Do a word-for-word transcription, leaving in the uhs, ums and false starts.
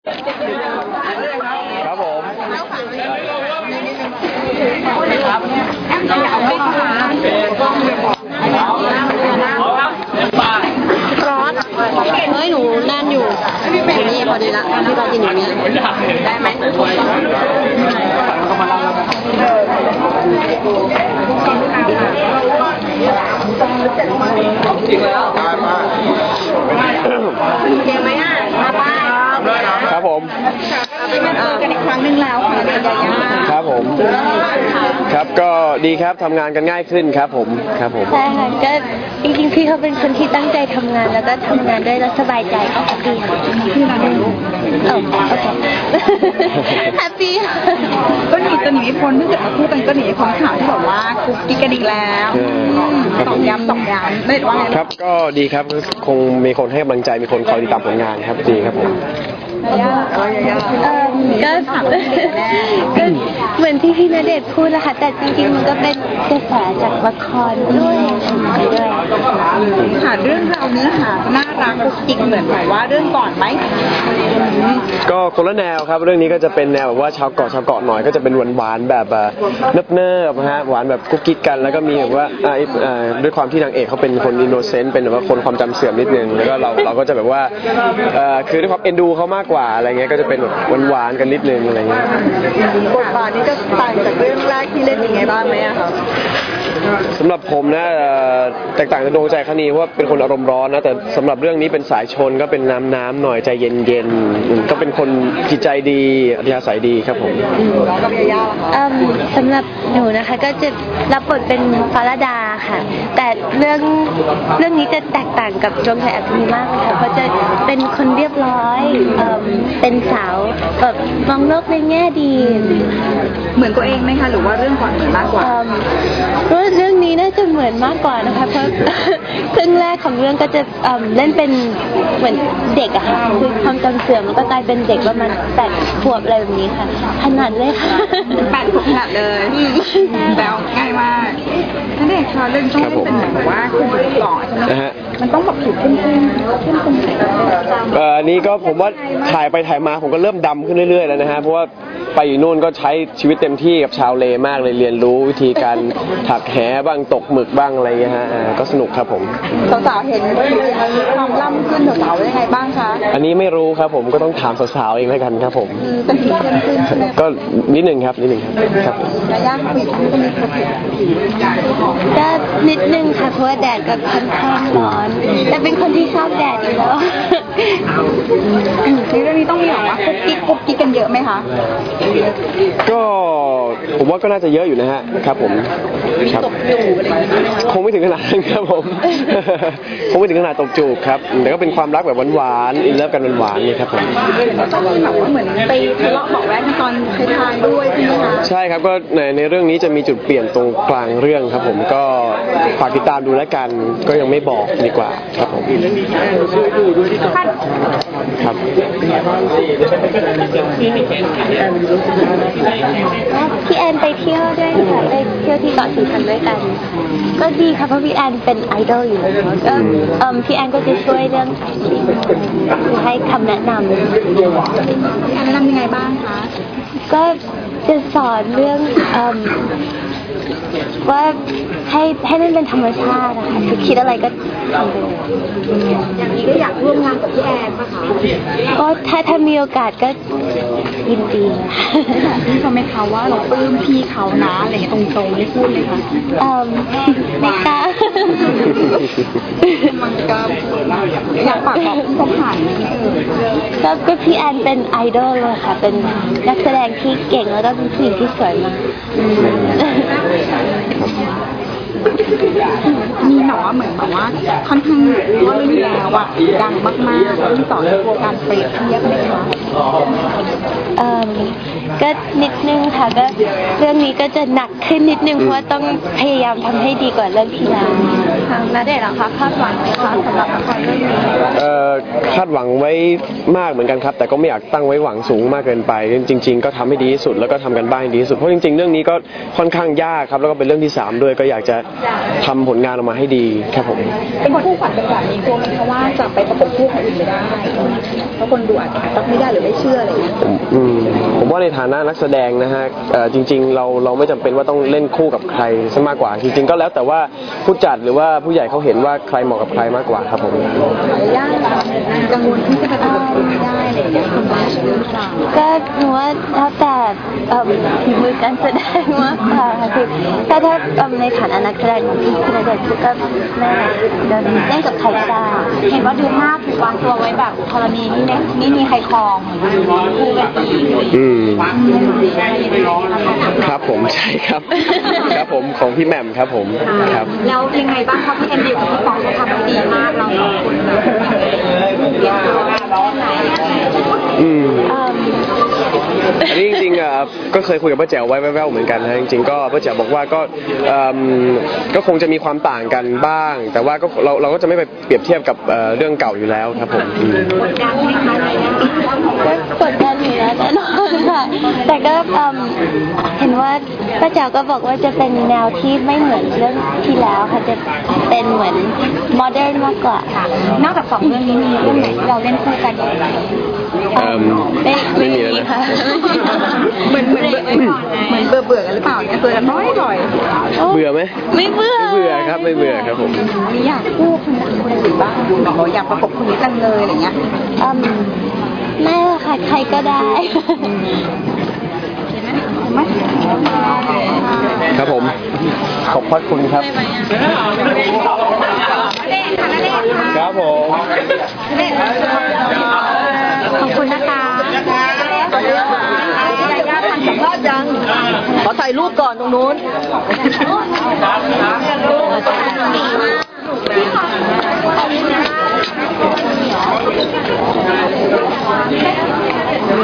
ครับผมร้อนเฮ้ยหนูแน่นอยู่อยู่นี่พอดีละที่เรากินอยู่นี้ได้ไหมจริงแล้วเก่งไหมอ่ะมาป้ายครับผมเป็นมาเจอกันอีกครั้งหนึ่งแล้วค่ะยายาครับผมครับก็ดีครับทำงานกันง่ายขึ้นครับผมครับผมใช่ค่ะก็จริงๆพี่เขาเป็นคนที่ตั้งใจทำงานแล้วก็ทำงานด้วยแล้วสบายใจก็แฮปปี้ค่ะพี่มาดูโอ้โอเคแฮปปี้ก็หนีจะหนีไม่พ้นถ้าเกิดมาพูดกันก็หนีไม่พ้นข่าวที่บอกว่าคุกกิ๊กกันอีกแล้วสองย้ำสองย้ำไม่ว่าไงครับก็ดีครับคงมีคนให้กำลังใจมีคนคอยติดตามผลงานครับดีครับผมก็ก็เหมือนที่พี่ณเดชน์พูดแหละค่ะแต่จริงๆมันก็เป็นกระแสจากละครด้วยด้วยค่ะเรื่องราวเนื้อหาน่ารักกุ๊กกิ๊กเหมือนแบบว่าเรื่องก่อนไหมก็คนละแนวครับเรื่องนี้ก็จะเป็นแนวแบบว่าชาวเกาะชาวเกาะหน่อยก็จะเป็นหวานๆแบบเนิบเนิบฮะหวานแบบกุ๊กกิ๊กกันแล้วก็มีแบบว่าด้วยความที่นางเอกเขาเป็นคนอินโนเซนต์เป็นแบบว่าคนความจำเสื่อมนิดนึงแล้วก็เราเราก็จะแบบว่าคือด้วยความเอ็นดูเขามากกว่าอะไรเงี้ยก็จะเป็นแบบหวานๆกันนิดนึงอะไรเงี้ยบทบาทนี้จะต่างจากเรื่องแรกที่เล่นยังไงบ้างไหมอะครับสำหรับผมนะแตกต่างจากดวงใจคณีเพราะว่าเป็นคนอารมณ์ร้อนนะแต่สำหรับเรื่องนี้เป็นสายชนก็เป็นน้ำน้ำหน่อยใจเย็นๆก็เป็นคนจิตใจดีอัธยาศัยดีครับผมแล้วกับยาย่าล่ะคะสำหรับหนูนะคะก็จะรับบทเป็นฟาราดาค่ะแต่เรื่องเรื่องนี้จะแตกต่างกับดวงใจคณีมากค่ะเพราะจะเป็นคนเรียบร้อยเป็นสาวแบบมองโลกในแง่ดีเหมือนตัวเองไหมคะหรือว่าเรื่องก่อนเหมือนมากกว่าเพราะเรื่องนี้น่าจะเหมือนมากกว่านะคะเพราะครึ่งแรกของเรื่องก็จะเล่นเป็นเหมือนเด็กอะค่ะคือความจำเสื่อมแล้วก็กลายเป็นเด็กประมาณแปดขวบอะไรแบบนี้ค่ะขนาดเลยค่ะแปดขวบขนาดเลยแล้วง่ายมากนั่นเองค่ะเรื่องต้องเป็นแบบว่าคุณหล่อใช่ไหมมันต้องแบบผิวเข้มขึ้นเข้มขึ้นเอ่อนี้ก็ผมว่าถ่ายไปถ่ายมาผมก็เริ่มดำขึ้นเรื่อยๆแล้วนะฮะเพราะว่าไปอยู่นู่นก็ใช้ชีวิตเต็มที่กับชาวเลมากเลยเรียนรู้วิธีการถักแหบ้างตกหมึกบ้างอะไรอย่างเงี้ยฮะก็สนุกครับผมสาวๆเห็นความล่ำขึ้นสาวๆยังไงบ้างคะอันนี้ไม่รู้ครับผมก็ต้องถามสาวๆเองแล้วกันครับผมเป็นผิวเข้มขึ้นใช่ไหมก็นิดหนึ่งครับนิดหนึ่งครับยายาผิวก็มีก็นิดนึงค่ะเพราะว่าแดดก็ค่อนข้างร้อนแต่เป็นคนที่ชอบแดดอยู่แล้วในเรื่องนี้ต้องมีแบบว่ากุ๊กกิ๊กกุ๊กกิ๊กกันเยอะไหมคะก็ผมว่าก็น่าจะเยอะอยู่นะฮะครับผมครับคงไม่ถึงขนาดนั้นครับผมคงไม่ถึงขนาดตบจูบครับแต่ก็เป็นความรักแบบหวานๆอินเลิฟกันหวานๆนี่ครับผมต้องแบบว่าเหมือนไปทะเลาะบอกแว้งตอนท้ายๆด้วยใช่ไหมคะใช่ครับก็ในในเรื่องนี้จะมีจุดเปลี่ยนตรงกลางเรื่องครับผมก็ฝากติดตามดูแล้วกันก็ยังไม่บอกดีกว่าครับผมครับพี่แอนไปเที่ยวด้วยค่ะไปเที่ยวที่เกาะสีชังด้วยกันก็ดีค่ะเพราะพี่แอนเป็นไอดอลอยู่แล้วก็พี่แอนก็จะช่วยเรื่องให้คำแนะนำพี่แอนแนะนำยังไงบ้างคะก็จะสอนเรื่องว่าให้ให้มันเป็นธรรมชาตินะคะคือคิดอะไรก็ทำไปเลยอย่างนี้ก็อยากร่วมงานกับพี่แอนป่ะคะก็ถ้าถ้ามีโอกาสก็ยินดีพี่เขาไหมคะว่าเราปลื้มพี่เขานะอะไรอย่างตรงๆไม่พูดเลยค่ะเอ่อไม่กล้ามันก็อยากฝากบอกผู้ผ่านนี่เออก็ก็พี่แอนเป็นไอดอลเลยค่ะเป็นนักแสดงที่เก่งแล้วก็เป็นผู้หญิงที่สวยมากมีแบบว่าเหมือนแบบว่าค่อนข้างว่าเรื่องแล้วอะดังมากๆแล้วที่ต่อในโครงการเปรียบเทียบเลยค่ะเอ่อก็นิดนึงค่ะก็เรื่องนี้ก็จะหนักขึ้นนิดนึงเพราะว่าต้องพยายามทำให้ดีกว่าเรื่องที่แล้วค่ะณเดชน์เหรอคะคาดหวังไหมคะสำหรับละครเรื่องนี้เอ่อคาดหวังไว้มากเหมือนกันครับแต่ก็ไม่อยากตั้งไว้หวังสูงมากเกินไปจริง ๆ ก็ทำให้ดีที่สุดแล้วก็ทำกันบ้านให้ดีที่สุดเพราะจริงๆเรื่องนี้ก็ค่อนข้างยากครับแล้วก็เป็นเรื่องที่สามด้วยก็อยากจะทำผลงานออกมาให้ดีครับผมเป็นคู่ขวัญเป็นแบบนี้กลัวไหมคะว่าจะไปประกบคู่คนอื่นไม่ได้เพราะคนดูอาจจะรับไม่ได้หรือไม่เชื่ออะไรอย่างเงี้ยผมอืมผมว่าในฐานะนักแสดงนะฮะเอ่อจริงๆเราเราไม่จำเป็นว่าต้องเล่นคู่กับใครซะมากกว่าจริงๆก็แล้วแต่ว่าผู้จัดหรือว่าผู้ใหญ่เขาเห็นว่าใครเหมาะกับใครมากกว่าครับผมยากกังวลที่จะไปประกบคู่ไม่ได้อะไรอย่างเงี้ยคนจะเชื่อหรือเปล่าก็หนูว่าแล้วแต่เอิ่มฝีมือการแสดงมากกว่าค่ะคือถ้าถ้าเอิ่มในฐานะนักแสดงของพี่ณเดชน์ก็แม่เดินเล่นกับใครก็ได้เห็นว่าดูหน้าถูกวางตัวไว้แบบธรณีนี่ไม่ไม่มีใครครองคู่กันอีกอืมครับผมใช่ครับ ครับผมของพี่แหม่มครับผมครับแล้วยังไงบ้างคะพี่แอนดิวกับพี่ฟองเขาทำได้ดีมากเราสองคนแบบเรียนรู้แค่ไหนอืมเอิ่มอันนี้จริงๆอ่ะก็เคยคุยกับป้าแจ๋วไว้แว่วๆเหมือนกันนะจริงๆก็ป้าแจ๋วบอกว่าก็เอิ่มก็คงจะมีความต่างกันบ้าง แต่ว่าก็เราเราก็จะไม่ไปเปรียบเทียบกับเอ่อเรื่องเก่าอยู่แล้วครับผมอืมกดดันไหมคะอะไรเงี้ยก็กดดันอยู่แล้วแน่นอนค่ะแต่ก็เอิ่มเห็นว่าป้าแจ๋วก็บอกว่าจะเป็นแนวที่ไม่เหมือนเรื่องที่แล้วค่ะจะเป็นเหมือนโมเดิร์นมากกว่าค่ะนอกจากสองเรื่องนี้มีเรื่องไหนที่เราเล่นคู่กันอีกไหมเอิ่มไม่ไม่มีแล้วนะค่ะเหมือนเหมือนเหมือนเบื่อเบื่อกันหรือเปล่าเนี่ยเจอกันน้อยบ่อยเบื่อไหมไม่เบื่อไม่เบื่อครับไม่เบื่อครับผมมีอยากคู่คนนั้นคนอื่นบ้างบอกว่าอยากประกบคนนี้จังเลยอะไรเงี้ยอืมไม่หรอกค่ะใครก็ได้ไม่ครับผมขอบพระคุณครับ ครับผมขอบคุณนะคะสัมภาษณ์ยังขอถ่ายรูปก่อนตรงนู้นเ